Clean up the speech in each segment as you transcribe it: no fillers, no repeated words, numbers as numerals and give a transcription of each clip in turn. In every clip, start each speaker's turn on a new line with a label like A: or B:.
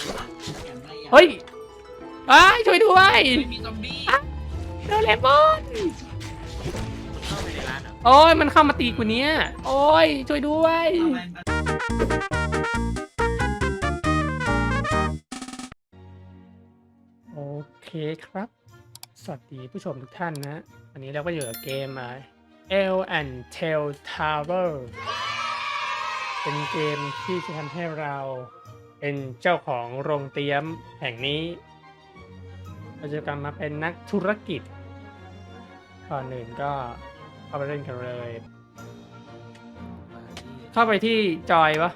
A: อย่างไรอย่าง
B: เฮ้ยอ้ายช่วยด้วย
C: ไม่มีซอมบี้
B: โดเรมอน
D: เข้าไปในร้านเหรอ
B: โอ้ยมันเข้ามาตีกูเนี้ยโอ้ยช่วยด้วย
A: ทำไมมัน
B: โอเคครับ สวัสดีผู้ชมทุกท่านนะวันนี้เราก็อยู่กับเกมL and Tail Tower เป็นเกมที่จะทำให้เราเป็นเจ้าของโรงเตรียมแห่งนี้ เราจะกลับมาเป็นนักธุรกิจก่อนอื่นก็เข้าไปเล่นกันเลย เข้าไปที่จอยปะ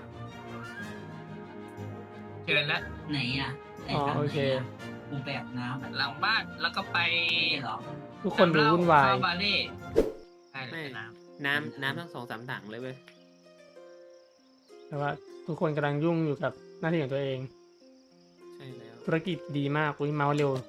C: เชิญแล้ว
A: ไหนอ่ะไหน
B: อ๋อ
A: ทาง
B: โอ
A: ไหน
B: เค
A: อ่ะกูแบบน้ำแบบ
C: หลังบ้านแล้วก็ไป
A: นี่เหรอ
B: ทุกคนดูวุ่นวาย
C: เข้าบาเล่ใช่เลยน้
D: น้ำทั้ง2-3 ถังเลยเว้ย
B: แต่ว่าทุกคนกำลังยุ่งอยู่กับหน้าที่ของตัวเอง
D: ใช่แล้ว
B: ธุรกิจดีมากอุ้ยเมาส์เร็ว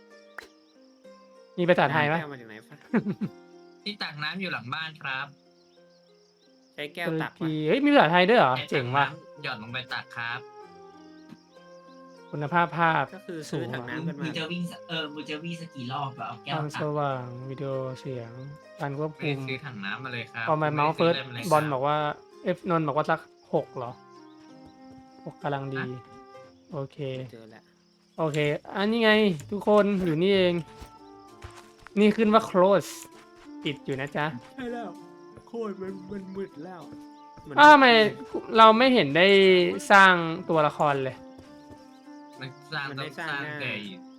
B: มีภาษาไทยปะ
D: แก้วมาจากไหนฟะ
C: ำที่ตักน้ำอยู่หลังบ้านครับ
D: ใช้แก้ว
B: ตุร
D: ตัก
B: กี
D: วะ
B: เฮ้ยมีภาษาไทยด้วยเหรอ
C: ใช้
B: เจ๋ง
C: ตัก
B: ว่ะ
C: น้ำหย่อนลงไปตักครับ
B: คุณภาพภาพ
D: ก็คือซื้อถังน้ำกัน
A: มึ
D: มาง
A: จะวิ่งมึงจะวิ่งสักกี่รอบอะเอาแก้
B: คว วาม
A: ตั
B: ส
A: ก
B: ว่างวิดีโอเสียงการควบ
C: ไม่
B: คุ
C: ได้
B: ม
C: ซื้อถังน้ำมาเลยครับ
B: พอมาเมาส์เฟิร์ส
C: ไได้
B: บอล
C: ค
B: บอกว่านนท์บอกว่าสัก6เหรอ6กำลังดี โอเค
D: เจอแล้ว
B: โอเค อันนี้ไง ทุกคนอยู่นี่เอง นี่ขึ้นว่า close ปิดอยู่นะจ๊ะ
D: ใช่แล้วโคตรมันมืดแล้ว
B: อ้าวทำไมเราไม่เห็นได้สร้างตัวละครเลย
C: มันสร้างต้องสร้างแต่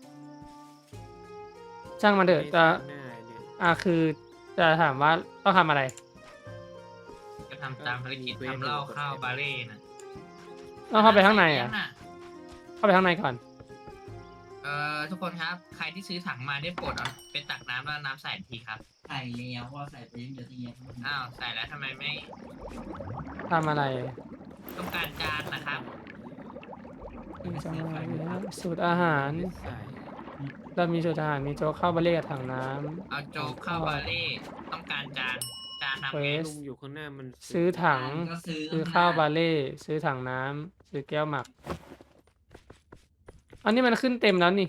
B: ช่างมันเถอะจะ
D: หน้าเนี่ย
B: คือจะถามว่าต้องทำอะไร
C: ก็ทำตามภารกิจทำเหล้าข้าวบาเล่นะ
B: ต้องเข้าไปข้างในอ่ะ
C: ใส่แก้วน่
B: เข้าไปข้างในก่อน
C: ทุกคนครับ ใครที่ซื้อถังมาได้โปรดเอาไปตักน้ำแล้วน้ำใส่ทีครับ
A: ใส่แล้วว่าใส่ไปเยอะๆที่เยอะ
C: อ้าวใส่แล้วทำไมไม่
B: ทำอะไร
C: ต้องการจานนะครับ
B: สูตรอาหาร
D: ใส่
B: เรามีสูตรอาหาร มีโจ๊กข้าวบะเล่กับถังน้
C: เอาโจ๊กข้าวบาเล่ต้องการจานทำไง
D: ลุงอยู่ข้างหน้ามัน
B: ำซื้อถัง
A: ก็ซื้อ
B: ซื้อข้าวบาเล่ซื้อถังน้ำซื้อแก้วหมัก อันนี้มันขึ้นเต็มแล้วนี่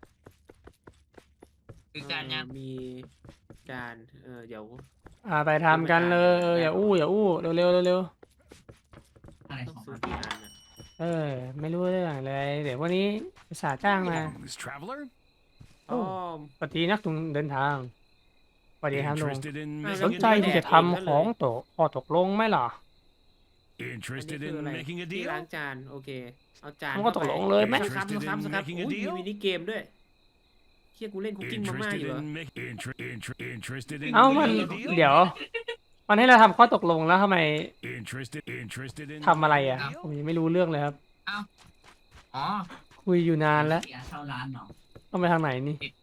C: คือจานยัง
D: มีจานเดี๋ยว
B: ไปทำกันเลยอย่าอู้เร็วเร็วเร็ว
A: อะไร
D: ต้อง
A: ของ
D: ซื้
A: มั
D: อน กี่อันอะ
B: ไม่รู้เรื่องเลย เดี๋ยววันนี้ภาษาจ้างมา
E: Greetings, traveler.
B: โอ้
D: อ้อม
B: ปฏินักเดินทางสวัสดีครับลุง
E: Interested in
D: อ่ะ
B: สน
E: making
B: ใจ
E: a
B: ที่
E: deal?
B: จะทำของตกลงไหมล่ะ
D: อันนี้
E: Interested
D: คือ
E: in
D: อะไร
E: making a
D: ที่
E: deal?
D: ล้างจานโอเค เอาจาน
B: มันก็ตกลงเลยไหม
D: ครับ
E: Interested in
D: ครับครับ
E: making a
D: อุ้ยมี
E: deal?
D: มินิเกมด้วยเชี่ยกูเล่นคุกกิ้งมาม่า
E: Interested
D: อยู่เหรอ
E: in interested in
B: เอ้ามัน
E: making a deal?
B: เดี๋ยว มันให้เราทำข้อตกลงแล้วทำไม
E: Interested in
B: ทำอะไรอ่ะ
C: ครับ
B: ผมยังไม่รู้เรื่องเลยครับ
C: อ๋อ
B: คุยอยู่นานแล้ว
A: เสียเช่าร้านเนาะ
B: ต้องไปทางไหนนี่
C: ติด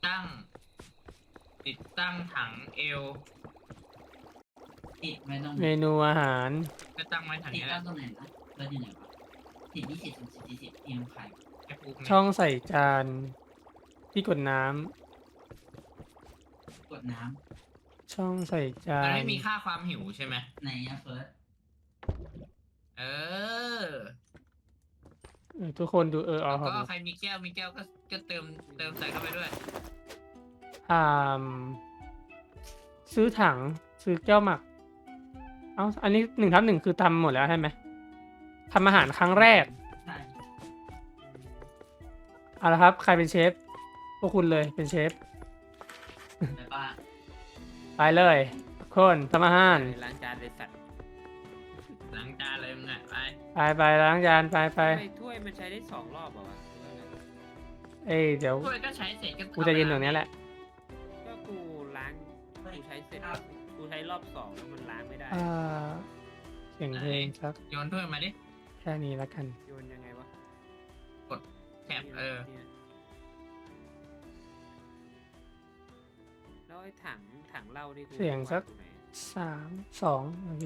C: ตั้งถังเอล
A: ติดไว้ตรง
B: เมนูอาหาร
C: จะตั้งไว้ถัง
A: ติด
C: นี้แห
A: ตั้
C: ละ
A: งตรงไหนนะเปิดอยู่ไหนวะติด20 30 40เอียงไข่
C: แค่ปลูก
B: ช่องใส่จานที่กดน้ำ
A: กดน้
B: ช่องใส่จา
C: มัน
B: น
C: ไม่มีค่าความหิวใช่ไหม
A: ำไหนอะเฟิร์ส
C: เออ
B: ทุกคนดู
C: แล้ว
B: เอาครั
C: ก็
B: บ
C: ใครมีแก้วก็เติมใส่เข้าไปด้วย
B: อ่าซื้อถังซื้อแก้วหมัก อันนี้1/1คือทำหมดแล้วใช่ไหมทำอาหารครั้งแรก
A: ใช่
B: เอาละครับ ใครเป็นเชฟ พวกคุณเลยเป็นเชฟ
A: ไปบ้าน
B: ไปเลยทุกคนทำอาหาร
D: ล้างจานเลยสัตว์
C: หลังจานเลยมึงอ่ะไป
B: ไปล้างจานไป
D: ทำไมถ้วยมันใช้ได้2 รอบเหรอวะ
B: เดี๋ยว
C: ถ้วยก็ใช้เสร็จก็
B: กูจะยืนตรงนี้แหละ
D: ก็กูล้างกูใช้เสร็จกูใช้รอบ2แล้วมันล้างไม่ได้
B: เสียงเพลงสัก
C: โยนถ้วยมาดิ
B: แค่นี้แล้วกัน
D: โยนยังไงวะ
C: แถบ
D: เนี่ยแล้วไอ้ถังเหล้านี่กู
B: เสียงสัก
D: วาอยู่ไหน
B: 3 2โอเค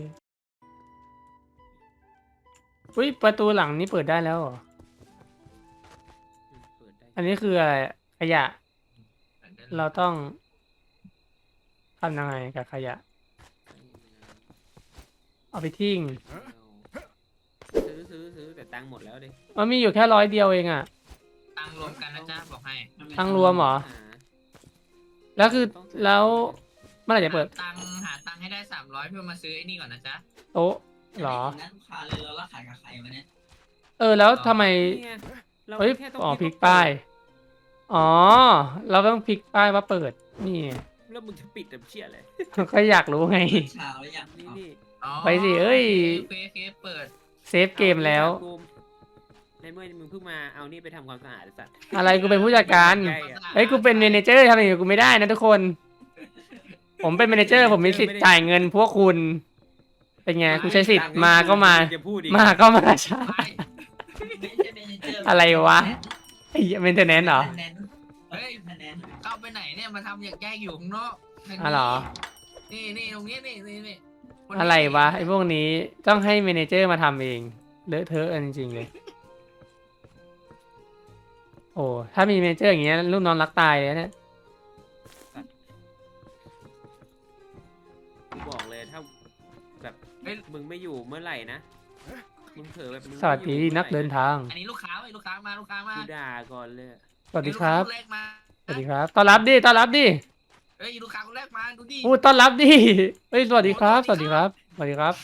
B: อุ้ยประตูหลังนี้เปิดได้แล้วเหรอ
D: เปิดได้
B: อันนี้คืออะไรขยะ เราต้องทำยังไงกับขยะ เอาไปทิ้ง
D: ซื้อแต่ตังค์หมดแล้วดิ
B: มันมีอยู่แค่100 เดียวเองอ่ะ
C: ตังค์รวมกันนะจ๊ะบอกให้
B: ตังค์รวมเหรอ
D: หา
B: แล้วคือแล้วเมื่อไหร่จะเปิด
C: หาตังค์ให้ได้300เพื่อมาซื้อไอ้นี่ก่อนนะจ๊ะ
B: โต๊ะเหรอ
A: นั่นลูกค้าเลยแล้วขายกับใครวะเนี่ย
B: แล้วทำไม
D: นี่ไงเรา
B: เฮ้ย
D: แค่ต้อง
B: อ๋อพลิ
D: คิ
B: ก
D: ดว่า
B: ป้าย อ๋อ เราต้องพลิกป้ายว่าเปิด นี่
D: แล้วมึงจะปิดแต่เชี่ยเลย
B: ก็อยากรู้ไง
A: เช้าแล้วยัง
D: นี่นี่
C: อ๋อ
B: ไปสิเอ้ย
C: โอเคเปิด
B: เซฟเกมแล้ว
D: อาในเมื่อมึงเพิ่งมาเอานี่ไปทำความสะอาดไอ้สัตว์
B: อะไรกูเป็นผู้จัดการ
D: ใกล้อะ
B: เฮ้ย กูเป็นเมเนเจอร์ทำอย่างนี้กูไม่ได้นะทุกคน ผมเป็นเมเนเจอร์ ผมมีสิทธิ์จ่ายเงินพวกคุณ เป็นไง กูใช้สิทธิ์มาก็มา
D: จะพูดอีก
B: มาก็มาใช่
C: ไป
A: ไม่ใช่เมเนเจอร์
B: อะไรวะ ไอ้เมนเทนแนนเหรอ
C: เฮ้ย
A: คะแนน
C: เข้าไปไหนเนี่ยมาทำอย่างแยกอยู่ข้างนอกทางนี้
B: อ๋อเหรอ
C: นี่ตรงนี้นี่คนนี้
B: อะไรวะไอ้พวกนี้ต้องให้เมเนเจอร์มาทำเองเลอะเทอะกันจริงๆเลย โอ้ถ้ามีเมเนเจอร์อย่างเงี้ยลูกน้องรักตายเลยเนี่ย
D: กูบอกเลยถ้าแบบมึงไม่อยู่เมื่อไหร่นะมึงเผลอแบบมึง
B: สวัสดีนักเดินทาง
C: อันนี้ลูกค้าลูกค้ามา
D: กูด่าก่อนเลย
B: สวัสดีครับ
C: ลูกาคนแรกมา
B: สวัสดีครับต้อนรับดิต้อนรับดิ
C: เฮ้ยลูกค้าคนแรกมาดูดิ
B: พูดต้อนรับดิเฮ้ยสวัสดีครับ สวัสดีครับสวัสดีครับ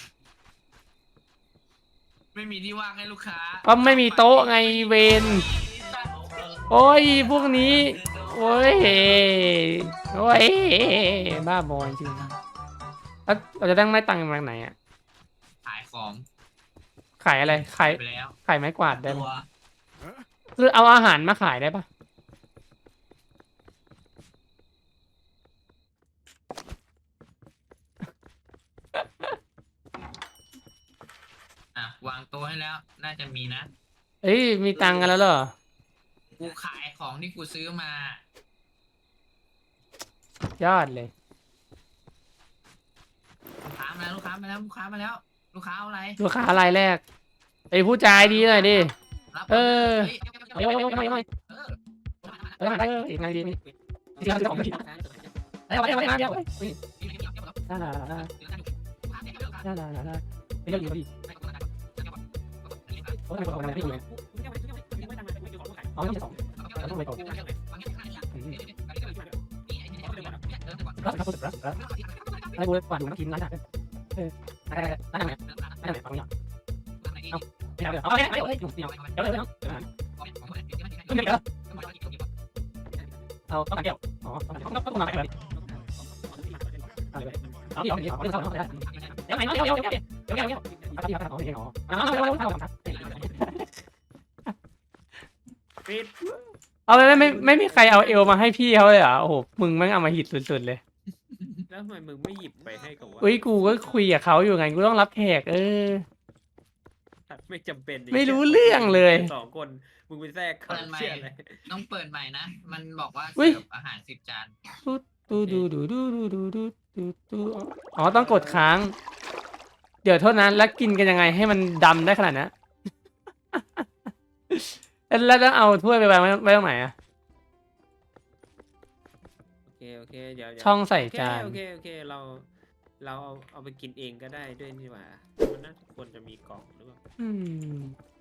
C: ไม่มีที่ว่างให้ลูกค้า
B: ก็ไม่มีโต๊ะไงเวนโอ้ยพวกนี้โอ้ยโอ้ยบ้าบอจริงๆแล้วเราจะตั้งไม้ตังค์มาจากไหนอ่ะ
C: ขายของ
B: ขายอะไรขาย
C: ไปแล้ว
B: ขายไม้กวาดได้ไหม
A: ตัว
B: คือเอาอาหารมาขายได้ปะ
C: อ่ะวางโต๊ะให้แล้ว น่าจะมีนะ
B: เอ้ยมีตังค์กันแล้วเหรอ
C: กูขายของที่กูซื้อมา
B: ยอดเลย
C: ลูกค้ามาแล้วลูกค้ามาแล้วลูกค้ามาแล้ว ลูกค้าเอาอะไร
B: ลูกค้ารายแรกไอ้ผู้จ่ายดีหน่อยดิ
C: รับ
B: เออ
C: เฮ้ย
B: เอ้ยเอ้ยเอ้ยเอ้ยเอ้ย
C: เออ
B: เอ้ยเอ้ยอีกไงดีนี่ที่เราจะของผิดเอ้ยเอาไปเอาไปเอาไปเอาไปน่าน่าน่าน่าน่าน่าน่าไม่เรื่องดีดีโอ้ยไม่ต้องไม่ต้องไม่ต้องอ๋อไม่ใช่สองต้องไปก่อนรับรับรับรับให้กูกวาดดูน้ำกินร้านไหนได้ได้ได้ไหนได้ไหนฟังเนี่ยไม่เอาเดี๋ยวเอาไม่เอาเดี๋ยวเดี๋ยวเดี๋ยวเดี๋ยวเอาต้องการเกี่ยวอ๋อต้องมาแบบเอาเดี๋ยวเอาเดี๋ยวเดี๋ยวเดี๋ยวเดี๋ยวไหนเดี๋ยวเดี๋ยวเดี๋ยวเดี๋ยวเดี๋ยวเดี๋ยวเดี๋ยวเอาเดี๋ยวอ๋อเอาเดี๋ยวเดี๋ยวเดี๋ยว
D: ปิด
B: เอาไม่มีใครเอาเอลมาให้พี่เขาเลยเหรอโอ้โหมึงแม่งเอามาหิดสุดๆเลย
D: แล้วทำไมมึงไม่หยิบไปให้กับวะ
B: อุ้ยกูก็คุยกับเขาอยู่ไงกูต้องรับแขก
D: ไม่จำเป็น
B: ไม่รู้เรื่องเลย
D: สองคนมึงไปแทรกเขาเชี่ยอะไร
C: ต้องเปิดใหม่นะ มันบอกว่า
B: อุ๊
C: เสิ
B: ย
C: ร์ฟอาหาร10 จาน
B: ดูดูดูดูดูดูดูดูดูอ๋อต้องกดค้าง เดี๋ยวโทษนะแล้วกินกันยังไงให้มันดำได้ขนาดนั้นแล้วต้องเอาถ้วยไปวางไว้ตรงไหนอะ
D: โอเคเดี๋ยว
B: ช่องใส่จาน
D: โอเคเราเอาไปกินเองก็ได้ด้วยนี่หว่ามันน่าจะควรจะมีกล่องหรือเปล่า
B: อืม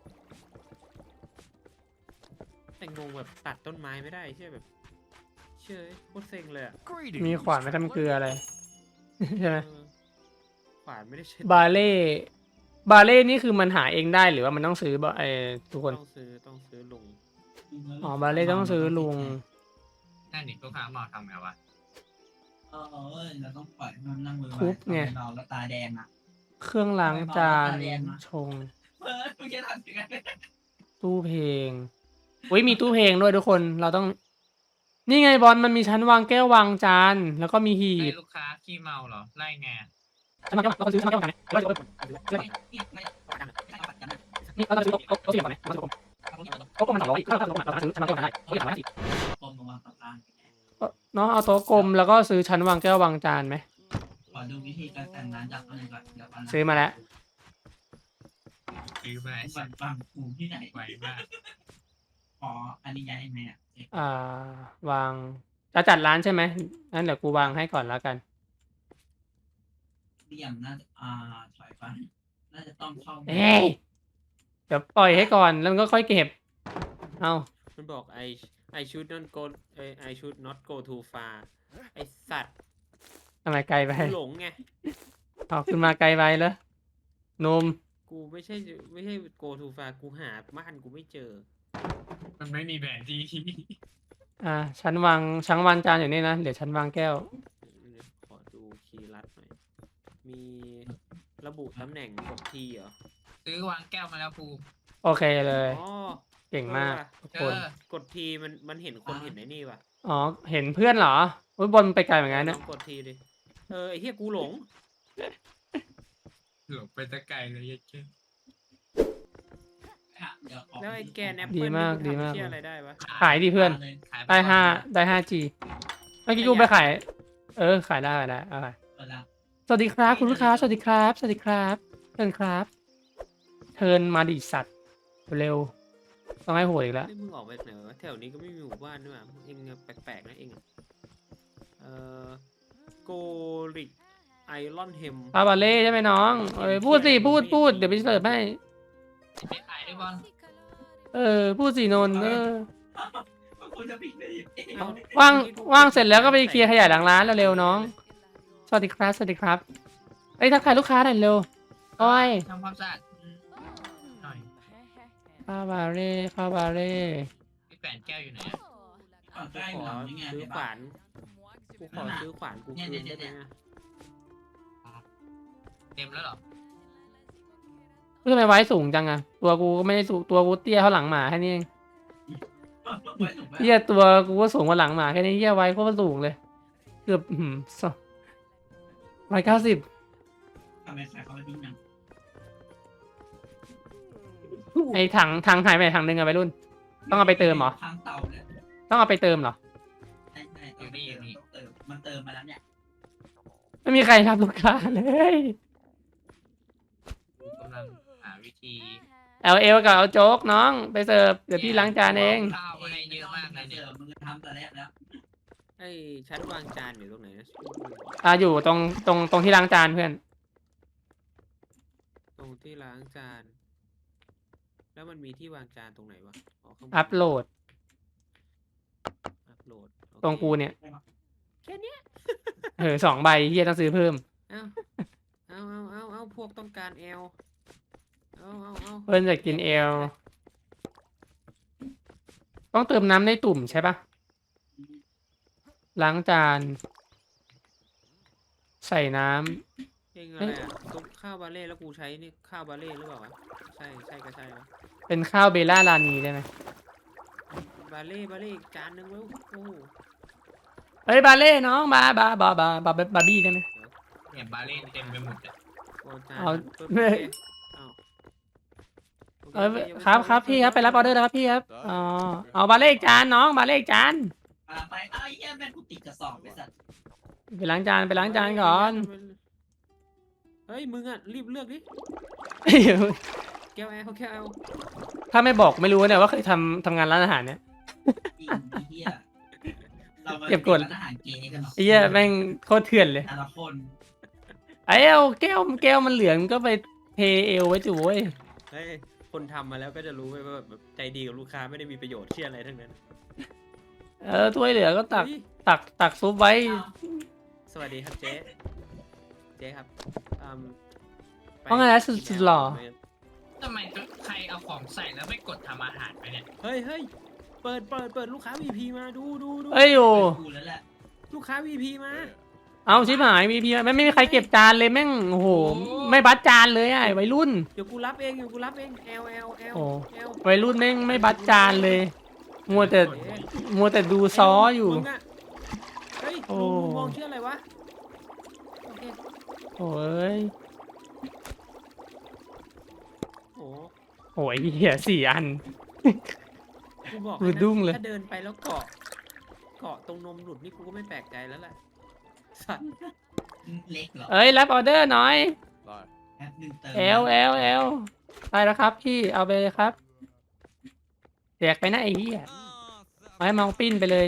D: แต่งงแบบตัดต้นไม้ไม่ได้เชื่อแบบเชื่อโคตรเซ็งเลยอะ
E: Greetings,
B: มีขวานไม่ทำเกลืออะไร ใช่ไหม
D: เออขวานไม่ได้ใช้
B: บาเล่นี่คือมันหาเองได้หรือว่ามันต้องซื้อทุกคน
D: ต้องซื้อลุง
B: อ๋อบาเล่ต้องซื้อลุง
C: นั่นนี่ลูกค้ามาทำไงวะ
A: เราต้องปล่อยมันนั่งมือ
B: ทุบไง
A: นอนแล้วตาแดงอ่ะ
B: เครื่องล้างจานชง
A: มึงจะทำยังไง
B: ตู้เพลงอุ้ยมีตู้เพลงด้วยทุกคน เราต้อง นี่ไงบอลมันมีชั้นวางแก้ววางจาน แล้วก็มีหี
C: ให้
B: บ
C: ลูกค้าขี้เมาเหรอ ไล่ไง
B: ชั้นวางแก้วเราซื้อชั้นวางแก้ววางกันนี่เราซื้อโต๊ะเสียบก่อนไหมเราซื้อโต๊ะกลมมัน200อีกเราซื้อชั้นวางแก้วได้โต๊ะใหญ่150
A: กลมลงมาตัดล่าง
B: เนาะเอาโต๊ะกลมแล้วก็ซื้อชั้นวางแก้ววางจานไหม
A: ขอดูวิธีการแต่งร้านจากอะไรก่อนเดี๋ยวก่อน
B: ซื้อมาแล้ว
C: ซื้อมาไอ้
A: บั
C: สั
A: น
C: ตว์
A: บังกูที่ไหน
C: ไหวมาก
A: อ๋ออันนี้ย้ายไหมอ่ะ
B: วางจะจัดร้านใช่ไหมงั้นเดี๋ยวกูวางให้ก่อนแล้วกัน
A: เรียมน่าจะถอยไปน่าจะต้องเข้า
B: เอ้ยเดี๋ยวปล่อยให้ก่อนแล้วมันก็ค่อยเก็บ เอา
D: มันบอก I should not go I should not go too far ไอสัตว์
B: ทำไมไกลไป
D: กูหลงไง
B: เอาขึ้นมาไกลไปแล้วนม
D: กูไม่ใช่ go too far กูหาบ้านกูไม่เจอ
C: มันไม่มีแผนที่
B: ฉันวางจานอยู่นี่นะเดี๋ยวฉันวางแก้ว
D: ขอดูคีย์ลัดหน่อย มีระบุตำแหน่งกดทีเหรอ
C: ซื้อวางแก้วมาแล้วภูมิ
B: โอเคเลย
D: อ๋อ
B: เก่งมากทุก
C: เอ
B: คน
C: อก
D: ดทีมันเห็นคนเห็นไอ้นี่ป่ะ
B: อ๋อเห็นเพื่อนเหรออุ้ยบอลไปไกลเหมือนกัน
D: ล
B: นะ
D: องกดทีดิไอ้เหี้ยกูหลง
C: หลบไปตะไกลเลยยัดเจ้
A: เดี๋ยวออก
D: แล้วไอ้แกนแอป
B: ดี
D: เปิล
B: มาก
D: นี่
B: ดี
D: กู
B: มาก
D: ทำเหี้ยอะไรได้วะ
B: ขายดิเพื่อน
A: เลย
C: ขายป
B: ได้
C: ก่อน
B: ได้ 5G เมื่อกี้กูไปขายขายได้เอาไป
A: เปิดแล้ว
B: สวัสดีครับคุณลูกค้าสวัสดีครับสวัสดีครับเชิญครับเชิญมาดิสัตว์เร็วต้องให้โหดอีกแล้ว
D: เฮ้ยมึงออกไปไหนวะแถวนี้ก็ไม่มีหมู่บ้านด้วยว่ะเองแปลกๆนะเองโกริกไอรอนเฮม
B: คาบาเล่ใช่ไหมน้องพูดสิพูดเดี๋ยวไปเสิร์ฟให้
C: ไปขายด้วยบอล
B: พูดสินนท์
A: คุณจะผิดไปอีก
B: ว่างเสร็จแล้วก็ไปเคลียร์ขยะหลังร้านเร็วๆน้องสวัสดีครับสวัสดีครับทักทายลูกค้าหน่อยเร็วอ้อย
C: ทำความสะอาดหน่อย
B: คาบาเล่
C: พี่แปนแก้วอยู่ไหนอะ
A: ก่อนใกล้
D: ขอ
A: หลังนี่ไง
D: ซื้อ
A: เห็น
D: ข
A: ปะ
D: วานกูขอซื้อขวานกูคืนได้ไหมอะ
C: เต็มแล้วเหรอ
B: ทำไมไว้สูงจังอะตัวกูก็ไม่ได้สูงตัวกูเตี้ยเท่าหลังหมาแค่นี้เอง
A: ไว้ถูกไหม
B: เหี้ยตัวกูก็สูงกว่าหลังหมาแค่นี้เหี้ยไว้โคตรสูงเลยเกือบ190
A: ทำไมใส่เขาไปดิ้นนัง
B: ไอ้ถังหายไปถังนึงอะไปรุ่น ต้องเอาไปเติมเหรอ
A: ทางเตาเนี่ย
B: ต้องเอาไปเติมเหรอ
A: ใช่ต้องเติมมันเติมมาแล้วเนี่ย
B: ไม่มีใครรับลูกค้าเลย
C: กูกำลังหาวิธี
B: LL กับเอาโจ๊กน้องไปเสิร์ฟเดี๋ยวพี่ล้างจานเอง
C: ข้าวมาให้เยอะมากเลยเนี่ย
A: มึงทำแต่แรกแล้ว
D: ไอ้ชั้นวางจานอยู่ตรงไหนนะ
B: อยู่ตรงที่ล้างจานเพื่อน
D: ตรงที่ล้างจาน แล้วมันมีที่วางจานตรงไหนวะข้างบน
B: อัพโหลด
D: อัพโหลดโอเค
B: ตรงกูเนี่ย
D: แค่เนี้ย
B: 2 ใบเฮียต้องซื้อเพิ่ม
D: เอาพวกต้องการแอลเอา
B: เพื่อนจะกินเอลต้องเติมน้ำในตุ่มใช่ปะล้างจาน ใส่น้ำ
D: เองอะไรอ่ะซุปข้าวบาเล่แล้วกูใช้นี่ข้าวบาเล่หรือเปล่าวะใช่ก็ใช่วะ
B: เป็นข้าวเบลล่าลานีได้ไหม
D: บาเล่อีกจานหนึงแล้วโอ้โห
B: เฮ้ยบาเล่น้องบาร์บี้ได้ไหม
C: เนี่ยบาเล่นเต็มไปหมดเลย
D: โอ้จาน
B: เอา
D: ปึ๊บ
B: เฮ้ย
D: โอเค
B: ครับพี่ครับไปรับออเดอร์แล้วครับพี่ครับเอาบาเล่อีกจานน้องบาเล่อีกจาน
A: ไปไอ้เหี้ยแม่งกูติดกระสอบไอ้สัตว์
B: ไปล้างจานก่อน
D: เฮ้ยมึงอ่ะรีบเลือกดิแก้วแอล
B: ถ้าไม่บอกไม่รู้เนี่ยว่าเคยทำงานร้านอาหารเนี่ย
A: จริงไอ้เหี้ยเรามา
B: เก็บกด
A: ร้านอาหารเกย์กันหรอ
B: ไอ้เหี้ยแม่งโคตรเถื่อนเลย
A: แต่ละคน
B: ไอ้แก้วมันเหลืองก็ไปเทเอลไว้จุ้ย
D: เฮ้ยคนทำมาแล้วก็จะรู้ไว้ว่าแบบใจดีกับลูกค้าไม่ได้มีประโยชน์เชี่ยอะไรทั้งนั้น
B: ถ้วยเหลือก็ตัก
D: เฮ้ย
B: ตักซุปไว้
D: สวัสดีครับเจ๊ครับไป
B: ว่าไงนะสุดหล่อ
C: ทำไมใครเอาของใส่แล้วไม่กดทำอาหารไปเนี่ย
D: เฮ้ยเปิดลูกค้า VP มาดู
B: เอ้ยอยู่
A: กูแล้วแหละ
D: ลูกค้า VP มา
B: เอาชิบหายมีพี่ไม่มีใครเก็บจานเลยแม่งโอ้โหไม่บัดจานเลยอ่ะวัยรุ่น
D: เดี๋ยวกูรับเองL
B: โอ้ วัยรุ่นแม่งไม่บัดจานเลย มัวแต่ดูซ้ออยู่
D: มึงอะเฮ้ย
B: โอ้
D: ลุงมองชื่ออะไรวะโอเค
B: โอ้ย
D: โอ้
B: โอ้ยเหี้ย4 อัน
D: กูบอก
B: ดูดุ้งเลย
D: ถ้าเดินไปแล้วเกาะตรงนมหลุดนี่กูก็ไม่แปลกใจแล้วแหละสัตว์
A: เล็กเหรอ
B: เอ้ยรับออเดอร์หน่อย
A: แป๊บนึงเติม
B: L ได้แล้วครับพี่เอาไปเลยครับแจกไปนะไอ้เหี้ยเอาให้เมาปิ้นไปเลย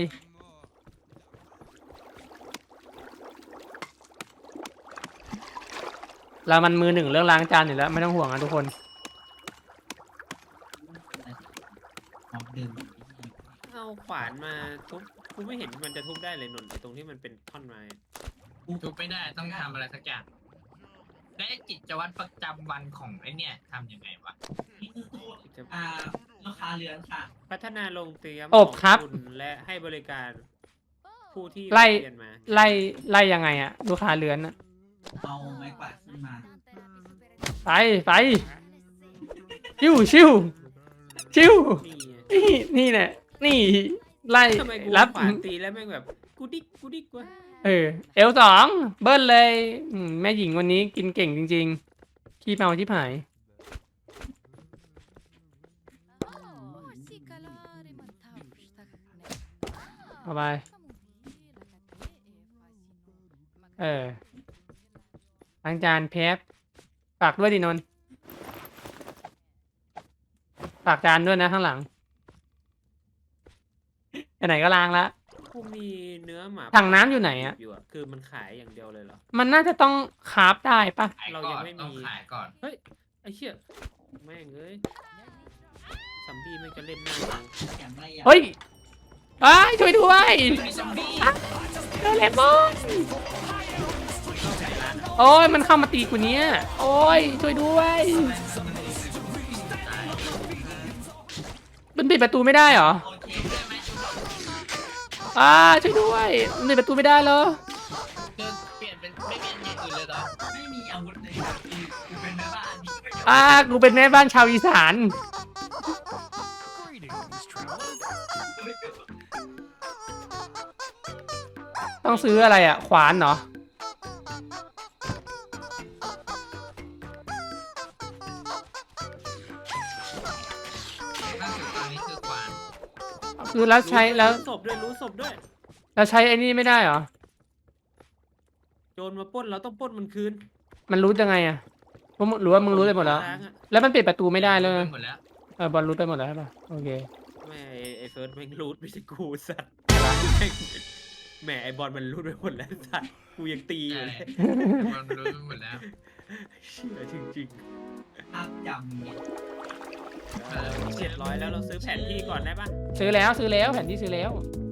B: เรามันมือ 1เรื่องล้างจานอยู่แล้วไม่ต้องห่วงนะทุกคน
A: หอมดื่ม
D: เอาขวานมาทุบกูไม่เห็นมันจะทุบได้เลยนนท์ไอ้ตรงที่มันเป็นท่อนไม้
C: ทุบไม่ได้ต้องทำอะไรสักอย่างและกิจวัตรประจำวันของไอ้เนี่ยทำยังไงวะ
A: นี่คือตัว
D: จะ
A: ลูกค้าเรือนค่ะ
D: พัฒนาโรงเตรียม
B: อบครับ
D: ของณและให้บริการผู้ที่
B: ไล่
D: เรียนมา
B: ไล่ยังไงอะลูกค้าเรือนอะ
A: เอาไม้กวาดขึ้นมา
B: ไปชิวชิวชิว
D: นี่ไง
B: นี่แหละนี่ไล่
D: ทำไมกู
B: รับ
D: ขวานตีแล้วแม่งแบบกูดิกวะ
B: L2 เบิ้ลเลยแม่หญิงวันนี้กินเก่งจริงๆขี้เมาชิบหายเอาไปล้างจานเพฟฝากด้วยดินนท์ฝากจานด้วยนะข้างหลังไปไหนก็ล้างละ
D: กูมีเนื้อหมา
B: ถังน้ำอยู่ไหนอะ
D: อยู่อะคือมันขายอย่างเดียวเลยเหรอ
B: มันน่าจะต้องคราฟได้ปะ
C: ขาย
D: เรา
C: ก่
D: ยั
C: อง น
D: ไม่มี
C: ต้องขายก่อน
D: เฮ้ยไอ้เชี่ยแม่งเอ้ยซัมบี้ไม่งจะเล่นหน้ากู
A: แข็งไรอ่ะ
B: เฮ้ยช่วยด้วย
C: มีซอมบี้
B: เจอเลมอนโอ้ยมันเข้ามาตีกูเนี้ยโอ้ยช่วยด้วยมันปิดประตูไม่ได้เหรอ
A: โอเค
B: ช่วยด้วยมันปิดประตูไม่ได้เหรอ
C: เดินเปลี่ยนเป็นไม่เปลี่ยนอย่างอื่นเลยเหรอ
A: ไม่มีอาวุธเลยครับกูเป็นแม่บ้านนี่ก็ยัง
B: กูเป็นแม่บ้านชาวอีสาน
E: Greetings, traveler.
B: ต้องซื้ออะไรอ่ะ ขวานเหรอ
C: ล่าสุดตอนนี้คือขวาน
B: คือแล้วใช้แล้ว
D: รู้ศพด้วยรู้ศพด้วย
B: แล้วใช้ไอ้นี่ไม่ได้เหรอ
D: โจรมาปล้นเราต้องปล้นมันคืน
B: มันรู้ยังไงอ่ะหรือว่ามึงรู้ได้หมดแล้ว
D: ล้างอะ
B: แล้วมันปิดประตูไม่ได้เลย
C: หมดแล้ว
B: บอลรู้ไปหมดแล้วใช่ปะโอเค
D: แม่ไอ้เฟิร์สแม่งรูดไม่ใช่กูสัตว์แหมไอ้บอลมันรูดไปหมดแล้วสัตว์กูยังตีอยู่
C: ใช่
D: เลย
C: มันรู้หมดแล้ว
D: เชื่อจริง
A: ภาพจำเนี่ย
D: ๆ700แล้วเราซื้อแผนที่ก่อนได้ปะ
B: ซื้อแล้วแผนที่ซื้อแล้ว
D: โ